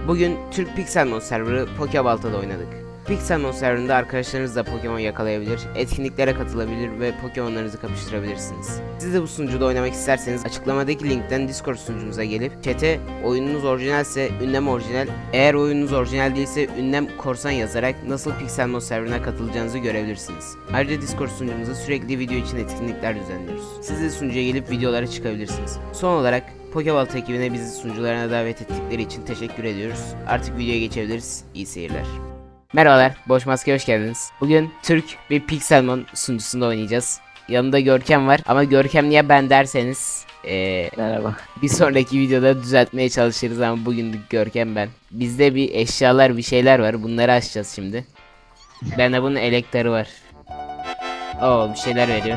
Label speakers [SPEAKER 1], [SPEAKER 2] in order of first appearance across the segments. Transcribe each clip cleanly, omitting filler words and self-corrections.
[SPEAKER 1] Bugün Türk Pixelmon serverı Pokebalta'da oynadık. Pixelmon serverında arkadaşlarınızla Pokemon yakalayabilir, etkinliklere katılabilir ve Pokemon'larınızı kapıştırabilirsiniz. Siz de bu sunucuda oynamak isterseniz açıklamadaki linkten Discord sunucumuza gelip chat'e oyununuz orijinalse ünlem orijinal, eğer oyununuz orijinal değilse ünlem korsan yazarak nasıl Pixelmon serverına katılacağınızı görebilirsiniz. Ayrıca Discord sunucumuzda sürekli video için etkinlikler düzenliyoruz. Siz de sunucuya gelip videolara çıkabilirsiniz. Son olarak Pokebalta ekibine bizi sunucularına davet ettikleri için teşekkür ediyoruz. Artık videoya geçebiliriz. İyi seyirler. Merhabalar, Boş Maske hoş geldiniz. Bugün Türk bir Pixelmon sunucusunda oynayacağız. Yanımda Görkem var ama Görkem niye ben derseniz
[SPEAKER 2] Merhaba.
[SPEAKER 1] bir sonraki videoda düzeltmeye çalışırız ama bugünlük Görkem ben. Bizde bir eşyalar bir şeyler var, bunları açacağız şimdi. Bende bunun elektarı var. Oo, bir şeyler veriyor.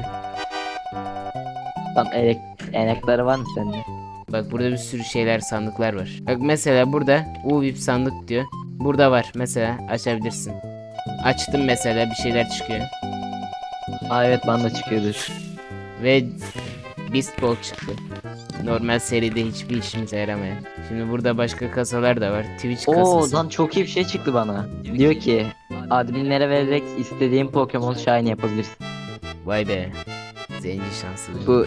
[SPEAKER 2] Tam enekleri var mı sende?
[SPEAKER 1] Bak burada bir sürü şeyler, sandıklar var. Bak mesela burada UVIP sandık diyor. Burada var mesela, açabilirsin. Açtım mesela, bir şeyler çıkıyor.
[SPEAKER 2] Aa evet, bana da çıkıyordur.
[SPEAKER 1] Ve Beast Ball çıktı. Normal seride hiçbir işimize yaramayan. Şimdi burada başka kasalar da var. Twitch
[SPEAKER 2] Oo
[SPEAKER 1] kasası.
[SPEAKER 2] lan, çok iyi bir şey çıktı bana. Diyor ki adminlere vererek istediğin Pokemon Shine yapabilirsin.
[SPEAKER 1] Vay be. Zenci şansı.
[SPEAKER 2] Bu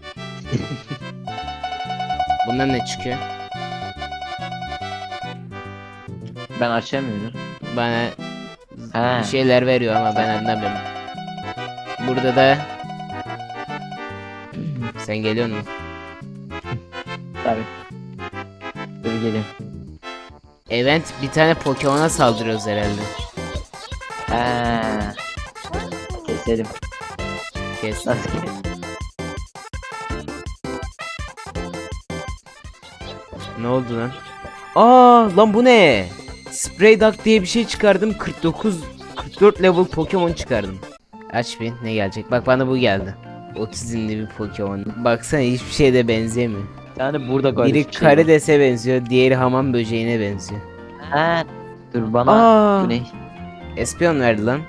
[SPEAKER 1] Bundan ne çıkıyor?
[SPEAKER 2] ben açamıyorum.
[SPEAKER 1] Bana
[SPEAKER 2] He.
[SPEAKER 1] bir şeyler veriyor ama ben anlamıyorum. Burada da sen geliyor musun?
[SPEAKER 2] Tabii. Dur gelin.
[SPEAKER 1] Event bir tane Pokemon'a saldırıyoruz herhalde.
[SPEAKER 2] He. Keselim.
[SPEAKER 1] Kes.
[SPEAKER 2] Nasıl keselim?
[SPEAKER 1] Ne oldu lan? Aa lan bu ne? Spray Duck diye bir şey çıkardım. 44 level Pokemon çıkardım. Aç bir ne gelecek? Bak bana bu geldi. 30 inli bir Pokemon. Baksana hiçbir şeye de benzemiyor.
[SPEAKER 2] Yani burada garip
[SPEAKER 1] Biri
[SPEAKER 2] bir şey var.
[SPEAKER 1] karidese benziyor, diğeri hamam böceğine benziyor.
[SPEAKER 2] He. Dur bana.
[SPEAKER 1] Aa!
[SPEAKER 2] Bu ne?
[SPEAKER 1] Espion verdi lan.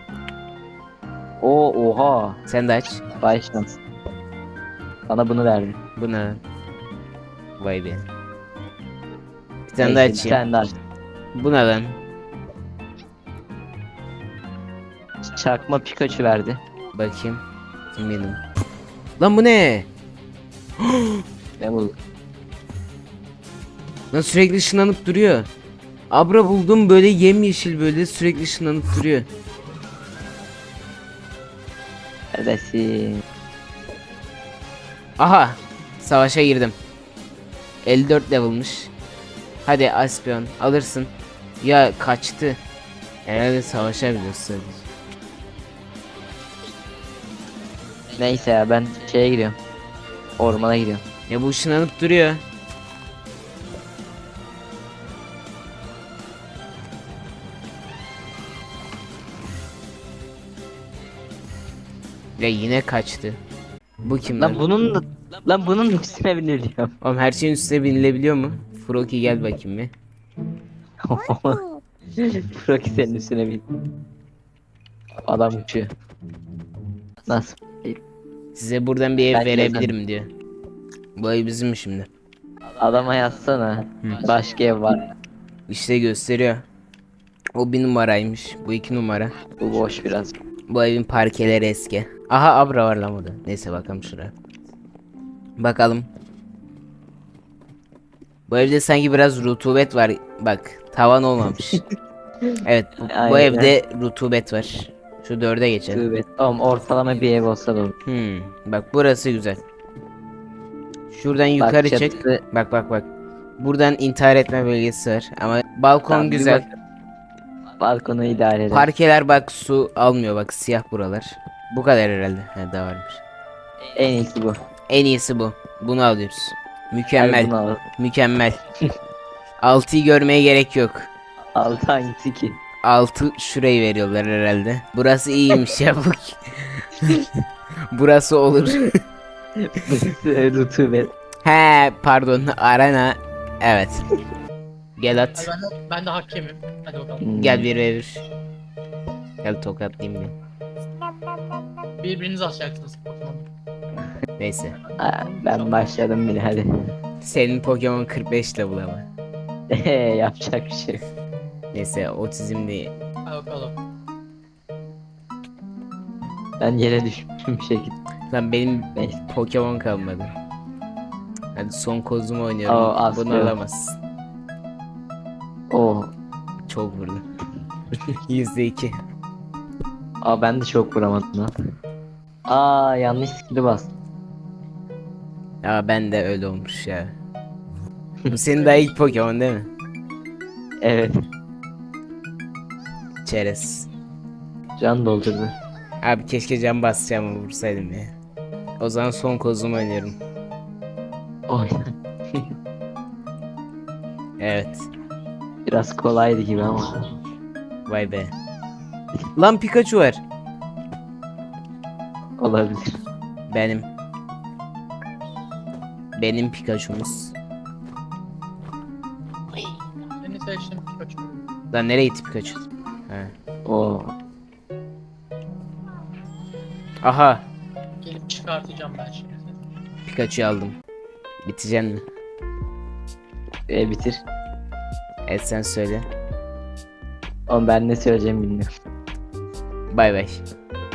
[SPEAKER 2] Oha.
[SPEAKER 1] Sen de aç.
[SPEAKER 2] Vay şans. Bana bunu verdi.
[SPEAKER 1] Bu ne lan? Vay be. Bir tane daha
[SPEAKER 2] Neyse, bir
[SPEAKER 1] açayım.
[SPEAKER 2] tane daha aç.
[SPEAKER 1] Bu ne lan?
[SPEAKER 2] Çakma Pikachu verdi.
[SPEAKER 1] Bakayım. Kim benim? Lan bu ne?
[SPEAKER 2] Ne bu?
[SPEAKER 1] Lan sürekli ışınlanıp duruyor. Abra buldum, böyle yemyeşil, böyle sürekli ışınlanıp duruyor.
[SPEAKER 2] Neredesin?
[SPEAKER 1] Aha! Savaşa girdim. 54 level'mış. Hadi Aspion alırsın. Ya kaçtı. Herhalde savaşabiliyoruz sadece.
[SPEAKER 2] Neyse ya, ben şeye gidiyorum. Ormana gidiyorum.
[SPEAKER 1] Ya bu ışınlanıp duruyor. Ya yine kaçtı. Bu kim lan?
[SPEAKER 2] Lan bunun da üstüne biniliyorum.
[SPEAKER 1] Oğlum her şeyin üstüne binilebiliyor mu? Froki gel bakayım bir.
[SPEAKER 2] Froki senin üstüne bin. Adam uçuyor. Nasıl?
[SPEAKER 1] Size buradan bir ev
[SPEAKER 2] Bence
[SPEAKER 1] verebilirim diyor. Bu ev bizim mi şimdi?
[SPEAKER 2] Adama yazsana. Başka ev var.
[SPEAKER 1] İşte gösteriyor. O bir numaraymış. Bu 2 numara.
[SPEAKER 2] Bu boş biraz.
[SPEAKER 1] Bu evin parkeleri eski. Aha Abra var lan burada. Neyse bakalım şuraya. Bakalım. Bu evde sanki biraz rutubet var. Bak tavan olmamış. Evet bu
[SPEAKER 2] Aynen.
[SPEAKER 1] evde rutubet var. Şu 4'e geçelim.
[SPEAKER 2] Evet. Oğlum ortalama bir ev olsa da olur.
[SPEAKER 1] Bak burası güzel. Şuradan yukarı çık.
[SPEAKER 2] çatısı-
[SPEAKER 1] Bak. Buradan intihar etme bölgesi var. Ama balkon
[SPEAKER 2] Tamam, bir
[SPEAKER 1] güzel.
[SPEAKER 2] bak. Balkonu idare eder.
[SPEAKER 1] Parkeler bak su almıyor, bak siyah buralar. Bu kadar herhalde. He daha varmış.
[SPEAKER 2] En iyisi bu.
[SPEAKER 1] En iyisi bu. Bunu alıyoruz.
[SPEAKER 2] Hadi
[SPEAKER 1] Mükemmel.
[SPEAKER 2] bunu al.
[SPEAKER 1] Mükemmel. 6'yı görmeye gerek yok.
[SPEAKER 2] Altı hangisi ki?
[SPEAKER 1] 6 şurayı veriyorlar herhalde. Burası iyiymiş ya bu. Burası olur.
[SPEAKER 2] Rutubet.
[SPEAKER 1] He pardon, arena. Evet. Gel at.
[SPEAKER 3] Ben de hakemim. Hadi bakalım.
[SPEAKER 1] Gel bir verir. Gel tokatlayayım bir.
[SPEAKER 3] Birbirinizi atacaksınız Pokemon'u.
[SPEAKER 1] Neyse.
[SPEAKER 2] Ben başladım bile, hadi.
[SPEAKER 1] Senin Pokemon 45 level ama.
[SPEAKER 2] Yapacak bir şey yok.
[SPEAKER 1] Neyse otizm değil.
[SPEAKER 3] Hadi bakalım.
[SPEAKER 2] Ben yere düşmüşüm bir şekilde.
[SPEAKER 1] Lan benim
[SPEAKER 2] Neyse.
[SPEAKER 1] Pokemon kalmadı. Hadi son kozumu oynuyorum.
[SPEAKER 2] Aa, az
[SPEAKER 1] Bunu
[SPEAKER 2] kaldı.
[SPEAKER 1] alamazsın.
[SPEAKER 2] Oo.
[SPEAKER 1] Çok vurdum. %2.
[SPEAKER 2] Aa ben de çok vuramadım lan. Aa yanlış skill'i bastım.
[SPEAKER 1] Ya ben de öyle olmuş ya. Bu senin daha ilk Pokemon değil mi?
[SPEAKER 2] Evet.
[SPEAKER 1] Çerez.
[SPEAKER 2] Can doldurdu.
[SPEAKER 1] Abi keşke can basacağımı vursaydım ya. O zaman son kozumu oynuyorum.
[SPEAKER 2] Oy.
[SPEAKER 1] Evet.
[SPEAKER 2] Biraz kolaydı gibi ama.
[SPEAKER 1] Vay be. Lan Pikachu var.
[SPEAKER 2] Olabilir.
[SPEAKER 1] Benim. Benim Pikachu'muz.
[SPEAKER 3] Seni seçtim Pikachu.
[SPEAKER 1] Lan nereye gitti Pikachu? Ha.
[SPEAKER 2] Oo.
[SPEAKER 1] Aha.
[SPEAKER 3] Gelip çıkartacağım ben şimdi seni.
[SPEAKER 1] Pikachu'yu aldım. Bitecek mi?
[SPEAKER 2] Bitir.
[SPEAKER 1] Evet sen söyle.
[SPEAKER 2] Ama ben ne söyleyeceğimi bilmiyorum.
[SPEAKER 1] Bay bay.